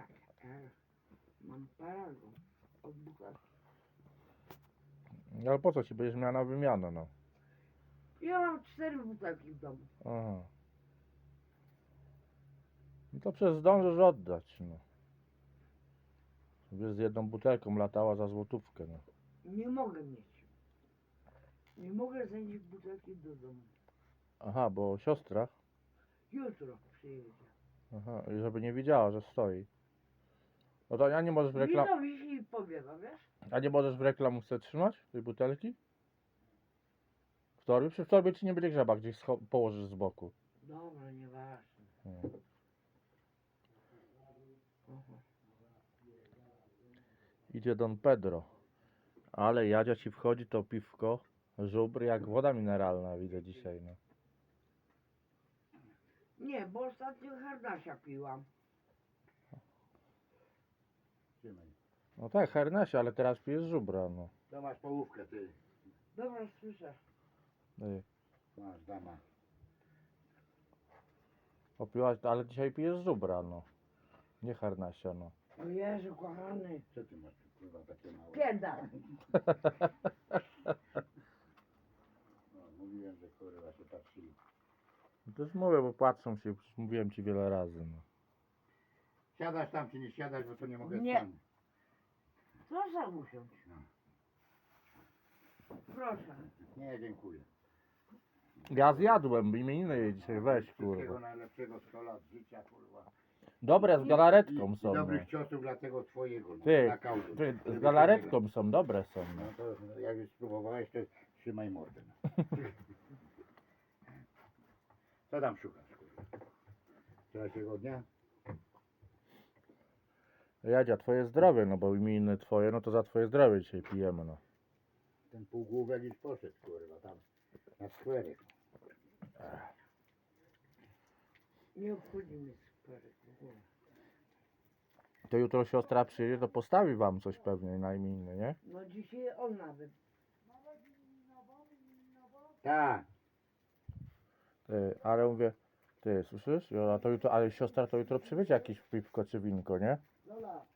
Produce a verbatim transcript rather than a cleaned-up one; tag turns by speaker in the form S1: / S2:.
S1: Ja, ja mam paragon od butelki.
S2: No ale po co ci będziesz miała na wymianę, no?
S1: Ja mam cztery butelki w domu.
S2: Aha. No to przecież zdążysz oddać, no. Wiesz, z jedną butelką latała za złotówkę, no.
S1: Nie mogę mieć. Nie mogę zanieść butelki do domu.
S2: Aha, bo siostra.
S1: Jutro przyjedzie.
S2: Aha, i żeby nie widziała, że stoi. No to a nie możesz w reklam...
S1: Wino wisi i powiewa, wiesz?
S2: A nie możesz w reklamówce trzymać tej butelki? W torbie? Przy w torbie ci nie będzie grzeba, gdzieś scho- położysz z boku.
S1: Dobra, nieważne.
S2: Hmm.
S1: Aha.
S2: Idzie Don Pedro. Ale Jadzia ci wchodzi to piwko, żubr jak woda mineralna, widzę dzisiaj, no.
S1: Nie, bo ostatnio harnasia piłam.
S3: Trzymaj.
S2: No tak, hernesie, ale teraz pijesz żubra, no.
S3: To masz połówkę, ty.
S1: Dobra, słyszę.
S2: Ej,
S3: Masz, dama.
S2: Opiłaś, ale dzisiaj pijesz żubra, no. Nie hernesia, no.
S1: O Jezu, kochany.
S3: Co ty masz, kurwa, takie małe?
S1: Pierdal.
S3: No, mówiłem, że kurwa się patrzyli.
S2: To już mówię, bo patrzą się, przecież mówiłem ci wiele razy, no.
S3: Siadasz tam, czy nie siadasz, bo to nie mogę
S1: Nie.
S3: stanąć.
S1: Proszę usiąść.
S3: No.
S1: Proszę.
S3: Nie, dziękuję.
S2: Ja zjadłem, imieniny jej dzisiaj, weź,
S3: Wszystkiego
S2: kurwa.
S3: najlepszego, sto lat życia, kurwa.
S2: Dobre z galaretką
S3: I, i
S2: są, no.
S3: dobrych ciosów dla tego twojego, no,
S2: Ty,
S3: na kaudu.
S2: ty,
S3: Żeby
S2: z
S3: cię
S2: galaretką są, dobre są,
S3: nie-
S2: no.
S3: No to no, jak już spróbowałeś, to trzymaj mordę. No. Co tam szukasz, kurwa? Trzeciego dnia?
S2: Jadzia, twoje zdrowie, no bo imieniny twoje, no to za twoje zdrowie dzisiaj pijemy, no.
S3: Ten półgłówek już poszedł, kurwa, tam na skwerek.
S1: Nie obchodzi mnie skwerek w ogóle.
S2: To jutro siostra przyjedzie, to postawi wam coś pewnie na imieniny, nie?
S1: No dzisiaj on nawet.
S3: Tak.
S2: Ty, ale mówię, ty, słyszysz? Jola, to jutro, ale siostra to jutro przywiezie jakieś piwko czy winko, nie?
S1: Lola,